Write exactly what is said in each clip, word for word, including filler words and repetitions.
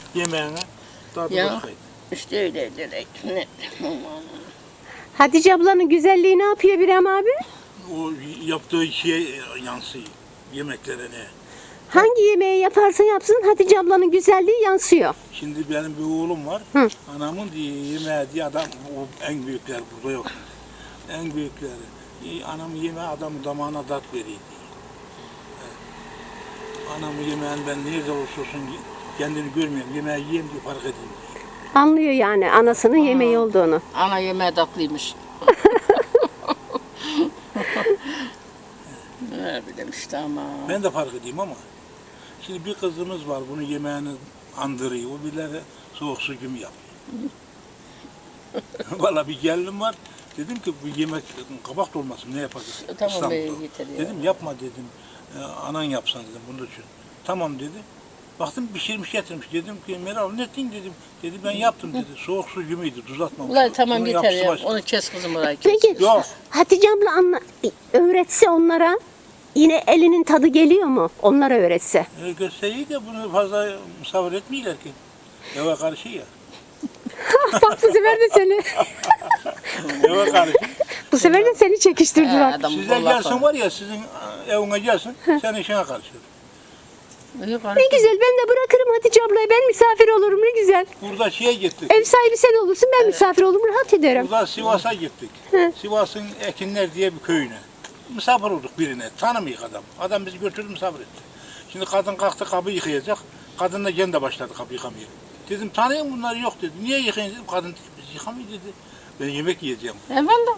yemeğine tadı Ya. başkaydı. İşte öyle direkt. Ne? Hatice ablanın güzelliği ne yapıyor İbrahim abi? O yaptığı şeye yansıyor. Yemeklerine. Hangi yemeği yaparsa yapsın Hatice ablanın güzelliği yansıyor. Şimdi benim bir oğlum var. Hı. Anamın diye yemeği diye adam o en büyükler burada yok. En büyükleri. E, Anamın yemeği adamın damağına tat veriyor diye. Evet. Anamın yemeğini ben nerede olursa olsun kendini görmüyorum. Yemeği yiyeyim diye fark edeyim diye. Anlıyor yani anasının yemeği olduğunu. Ana yemeği tatlıymış. Ne bileyim işte ama. Ben de fark edeyim ama şimdi bir kızımız var bunun yemeğini andırıyor. O birileri soğuk su gibi yapıyor. Valla bir gelinim var. Dedim ki bu yemek kabak dolması ne yapacağız? Tamam, İstanbul'da. yeter ya. Dedim yapma dedim. "E, anan yapsan dedim bunun için. Tamam dedi. Baktım pişirmiş getirmiş. Dedim ki Meral ne ettin dedim. Dedi ben yaptım dedi. Soğuk su gibiydi tuz atmamış. Ulan tamam Bunun yeter yapısı ya. başka. Onu kes kızım orayı kes. Peki Yok. Hatice abla anla, öğretse onlara yine elinin tadı geliyor mu? Onlara öğretse. E, gösteriyi de bunu fazla misafir etmiyorlar ki. Eve karşı ya. Bak bu sefer de seni Eve karşı. bu sefer de seni çekiştirdi He, bak. adam Size bollak gelsin var ya sizin evine gelsin. Sen işine karışır. Yok, Ne güzel ben de bırakırım Hatice ablayı ben misafir olurum ne güzel. Burada şeye gittik. Ev sahibi sen olursun ben misafir olurum rahat ederim. Burada Sivas'a gittik. Hı. Sivas'ın Ekinler diye bir köyüne. Misafir olduk birine. Tanımıyor adam. Adam bizi götürdü misafir etti. Şimdi kadın kalktı kabı yıkayacak. Kadın da kendi başladı kabı yıkamaya. Dedim tanıyor musun bunları yok dedi. Niye yıkayın dedim. Kadın dedi biz yıkamıyor dedi. Ben yemek yiyeceğim. Eyvallah.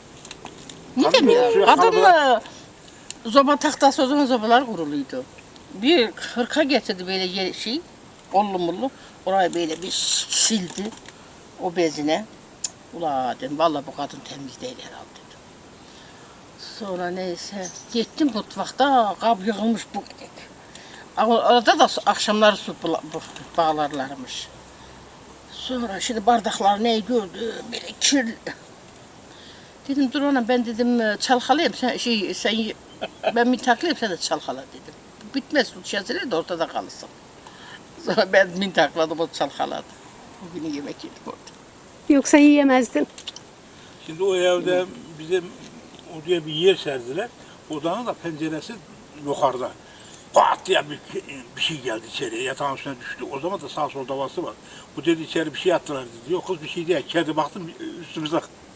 Ne Kadın demiyor? şöyle Kadınla zoba tahtası o zaman zobalar kuruluydu. Bir hırka getirdi böyle ye- şey, ollu mullu. Orayı böyle bir sildi o bezine. Cık, ula dedim vallahi bu kadın temiz değil herhalde dedim. Sonra neyse gittim mutfakta kap yığılmış bu dedik. Orada da su- akşamları su bula- bu- bağlarlarmış. Sonra şimdi bardaklar neyi gördü böyle kirli. Dedim dur ona ben dedim çalkalayayım sen şey sen ye- ben mintaklayayım sen de çalkala dedim. Bitmez su çezilir de ortada kalırsın. Sonra ben mintakladım o çalkaladı. Bugün yemek yedim orada. Yoksa yiyemezdin. Şimdi o evde bize oraya bir yer serdiler. Odanın da penceresi yukarıda. Pat diye bir, bir şey geldi içeriye. Yatağın üstüne düştü. O zaman da sağ sol davası var. Bu dedi içeri bir şey attılar dedi. Yok kız bir şey değil. Kedi baktım üstümüze.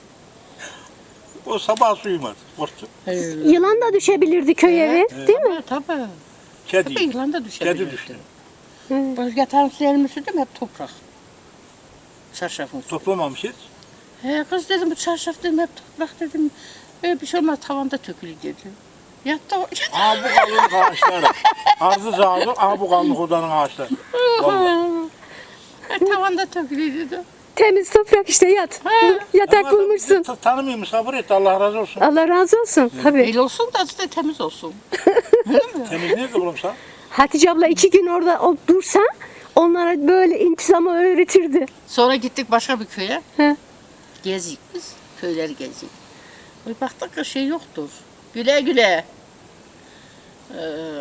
O sabah suyumadı. Korktu. Yılan da düşebilirdi köy evi değil mi? Tabii tabii. Kedi. Tabii yılan da düşebilirdi. Kedi düştü. Bu yatağın üstlerimi sürdüm hep toprak. Çarşafın üstü. Toplamamış hiç. He kız dedim bu çarşaf dedim hep toprak dedim. E, bir şey olmaz tavanda tökülü dedi. Yattı o. Aa bu kalınlık ağaçları. Arzı zağdı. Aa bu kalınlık odanın ağaçları. Vallahi. E, tavanda tökülü dedi. Temiz toprak işte yat. Yatak Ama adam bulmuşsun. bizi Tanımıyor misafir etti. Allah razı olsun. Allah razı olsun. Tabii. El olsun da işte temiz olsun. Temiz nerede bulunsa? Hatice abla iki gün orada o dursa onlara böyle intizamı öğretirdi. Sonra gittik başka bir köye. He. Gezik biz. Köyleri gezik. Bir baktık ki şey yoktur. Güle güle. Ee,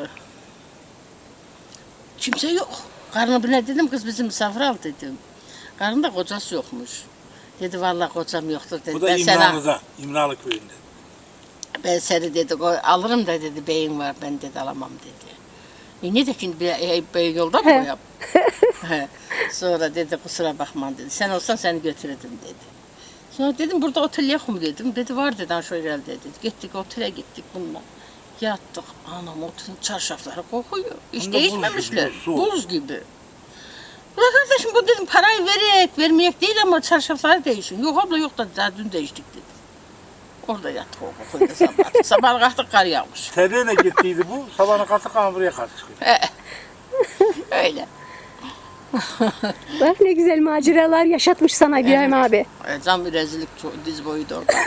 kimse yok. Karnı bile dedim kız bizim misafir al dedim. Karnında kocası yokmuş. Dedi vallahi kocam yoktur dedi. Bu da Ben seni, İmralı'da. İmralı köyünde. ben seni dedi ko- alırım da dedi beyin var ben dedi alamam dedi. E ne de şimdi bir e, beyin yolda mı yap? He. Sonra dedi kusura bakma dedi. Sen olsan seni götürürdüm dedi. Sonra dedim burada otel yok mu dedim. Dedi var dedi şöyle dedi. Gittik otele gittik bununla. Yattık. Anam otelin çarşafları kokuyor. Hiç Hem de buz değişmemişler. gibi, soğuk. Buz gibi. Ulan kardeşim bu dedim parayı vererek vermeyek değil ama çarşafları değişin. Yok abla yok da daha dün değiştik dedi. Orada yattık o kokuyla sabah. Sabah kalktık kar yağmış. Terliğine gittiydi bu. Sabahına kalktık ama buraya karşı çıkıyor. Öyle. Bak ne güzel maceralar yaşatmış sana İbrahim abi. E, Tam bir rezillik ço- diz boyuydu orada.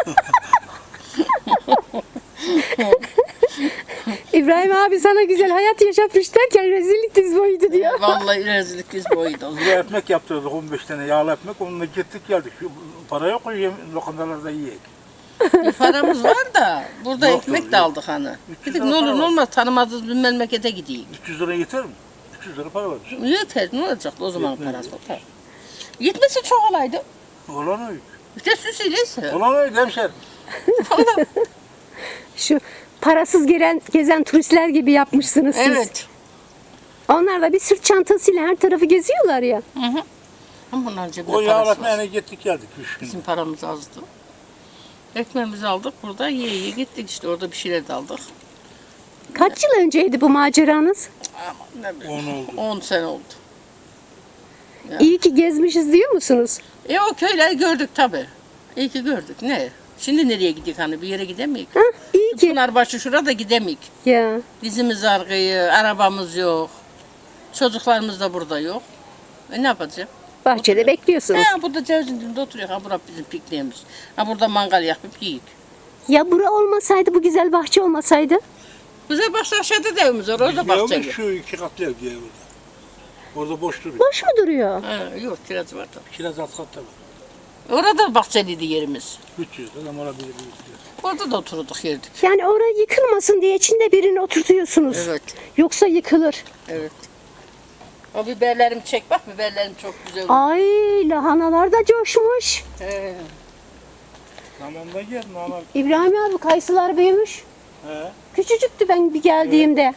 İbrahim abi sana güzel hayat yaşatmış derken rezillik diz boyuydu diyor. Vallahi rezillik diz boyuydu. Buraya ekmek yaptırdık on beş tane yağlı ekmek. Onunla gittik geldik. Şu para yok yem, lokantalarda yiyek. Bir paramız var da burada Yoktur, ekmek de yok. aldık hani. üç yüz Dedik lira ne olur para ne var. olmaz tanımadığımız bir memlekete gideyim. üç yüz lira yeter mi? üç yüz lira para var. Yeter, ne olacaktı o zaman Yetmez parası? ya. Tabii. Yetmesi çok olaydı. Olan o. İşte süsüyleyse. Olan o hemşerim. Şu parasız gelen, gezen turistler gibi yapmışsınız siz. Evet. Onlar da bir sırt çantasıyla her tarafı geziyorlar ya. Hı hı. Ama bunların cebinde O parası var. yağlatmayana gittik geldik üç gün. Bizim paramız azdı. Ekmeğimizi aldık burada yiye yiye gittik işte orada bir şeyler de aldık. Kaç yıl önceydi bu maceranız? Ama ne bileyim. On oldu. on sene oldu. Ya. İyi ki gezmişiz diyor musunuz? E o köyleri gördük tabi. İyi ki gördük. Ne? Şimdi nereye gidiyoruz hani bir yere gidemeyik. Ha, iyi ki. Pınarbaşı şurada gidemeyik. Ya. Dizimiz argıyı, arabamız yok. Çocuklarımız da burada yok. E ne yapacağım? Bahçede bekliyorsunuz. Ha burada cevizin dibinde oturuyor. Ha burası bizim pikniğimiz. Ha burada mangal yakıp yiyik. Ya bura olmasaydı, bu güzel bahçe olmasaydı? Güzel bahçe aşağıda da evimiz var. Orada Biz ne bahçe. olmuş şu iki katlı ev diye orada. Orada boş duruyor. Boş mu duruyor? Ha, yok kiraz var da. Kiraz alt katta var. Orada bahçeliydi yerimiz. üç yüz adam olabilir. Orada da oturduk yerdik. Yani orası yıkılmasın diye içinde birini oturtuyorsunuz. Evet. Yoksa yıkılır. Evet. O biberlerim çek bak biberlerim çok güzel. Ay, lahanalar da coşmuş. He. Zamanında gel normal. İbrahim abi, kayısılar büyümüş. He. Küçücüktü ben bir geldiğimde.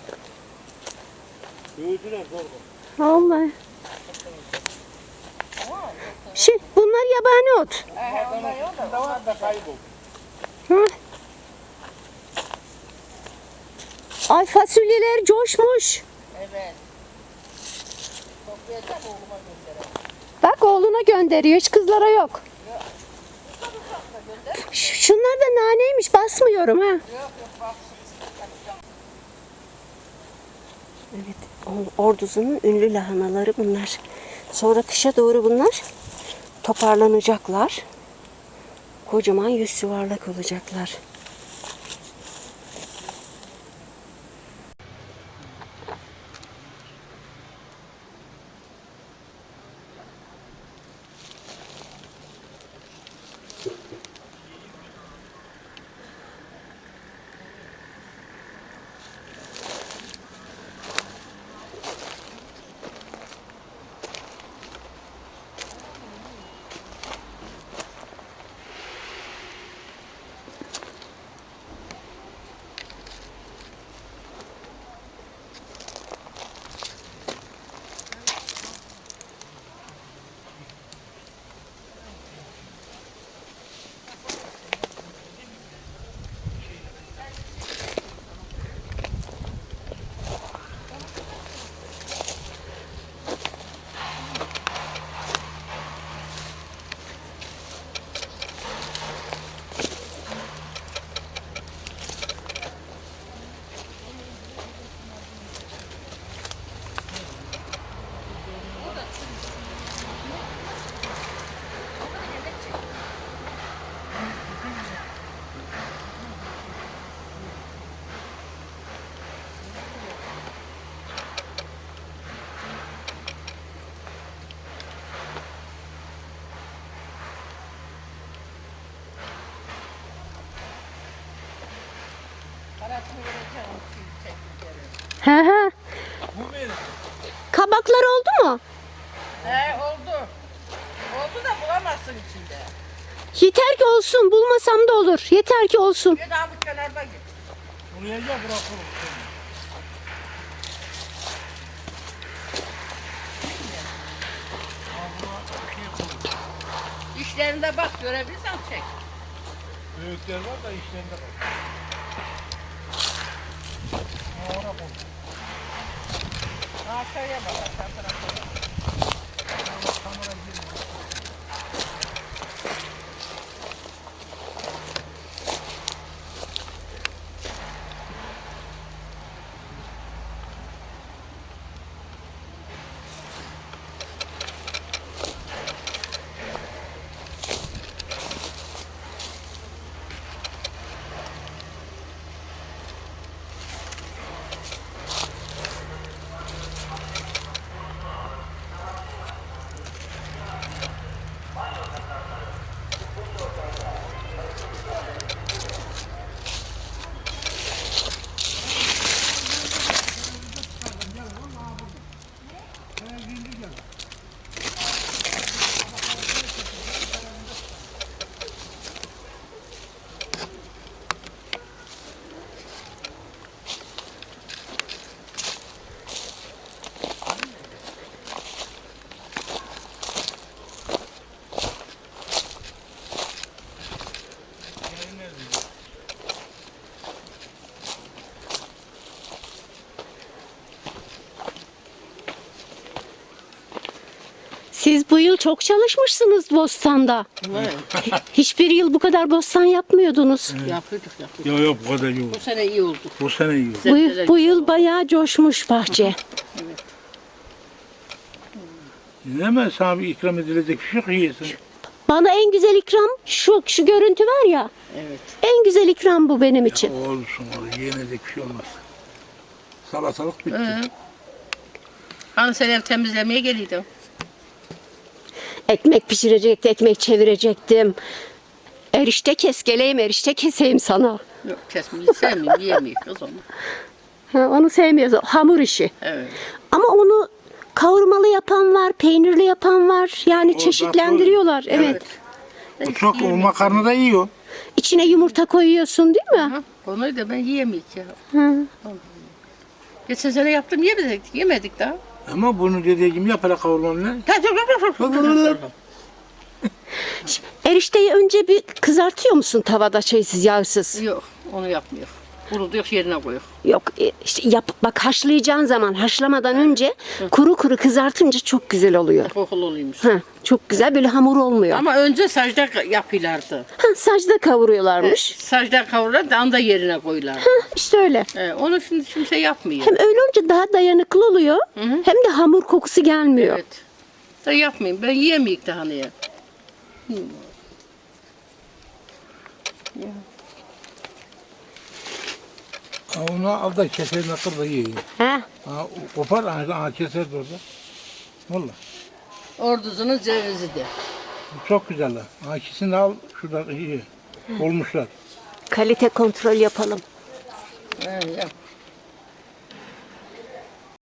Büyüdüler zorba. Vallahi. Şey, bunlar yabani ot. Da var da kayboldu. Hı? Ay, fasulyeler coşmuş. Evet. Toplayacağım oğluma göndereyim. Bak, oğluna gönderiyor, hiç kızlara yok. Ş- Şunlar da naneymiş, basmıyorum ha. Yok yok bak. Evet, o- Ordu'nun ünlü lahanaları bunlar. Sonra kışa doğru bunlar toparlanacaklar. Kocaman yüz yuvarlak olacaklar. Parasını vereceğim. He he. Kabaklar oldu mu? He oldu. Oldu da bulamazsın içinde. Yeter ki olsun, bulmasam da olur. Yeter ki olsun. Bir daha bu kenarda git. Buraya gel bırakalım. İşlerinde bak görebilirsen çek. Büyükler var da işlerinde var. Ha, oraya koy. Aşağıya bak aşağı tarafa. Kamera girmiyor. Siz bu yıl çok çalışmışsınız bostanda. Evet. Hiçbir yıl bu kadar bostan yapmıyordunuz. Yapıyorduk yapıyorduk. Yok yok bu kadar yok. Bu sene iyi oldu. Bu sene iyi. oldu. Bu, yıl- bu yıl bayağı coşmuş bahçe. Hemen sana bir ikram edilecek bir şey yok yiyesin. Bana en güzel ikram şu şu görüntü var ya. Evet. En güzel ikram bu benim için. Olsun olur. Yenecek bir şey olmaz. Salatalık bitti. Hı. Hani sen ev temizlemeye geliyordun. Ekmek pişirecektim, ekmek çevirecektim. Erişte kes, geleyim erişte keseyim sana. Yok kesmeyi sevmiyorum, yiyemiyor kız onu. Ha, onu sevmiyoruz. Hamur işi. Evet. Ama onu kavurmalı yapan var, peynirli yapan var. Yani O çeşitlendiriyorlar. zaten- Evet. Bu çok o makarna da yiyor. İçine yumurta koyuyorsun değil mi? Aha, onu da ben yiyemeyik ya. Hı. Geçen sene yaptım yemedik, yemedik daha. Ama bunu dediği gibi yap hele kavurmanla. Erişteyi önce bir kızartıyor musun tavada şeysiz, yağsız? Yok, onu yapmıyor. Kurutuyor yerine koyuyor. Yok e, işte yap bak haşlayacağın zaman haşlamadan önce kuru kuru kızartınca çok güzel oluyor. Kokulu oluyormuş. Ha, çok güzel böyle hamur olmuyor. Ama önce sacda yapıyorlardı. Ha, sacda kavuruyorlarmış. Sacda kavurlar da anda yerine koyuyorlar. İşte öyle. Ee, onu şimdi kimse yapmıyor. Hem öyle olunca daha dayanıklı oluyor. Hı hı. Hem de hamur kokusu gelmiyor. Evet. Da yapmayayım. Ben yiyemeyik daha neye. Ha, onu al da keserini kır da ye. ye. Ha? Ha, o- kopar, ha, ha, keser de orada. Valla. Orduzunun cevizi de. Bu çok güzel. ha. Ha, ikisini de al, şurada iyi. Olmuşlar. Kalite kontrol yapalım. He, yap.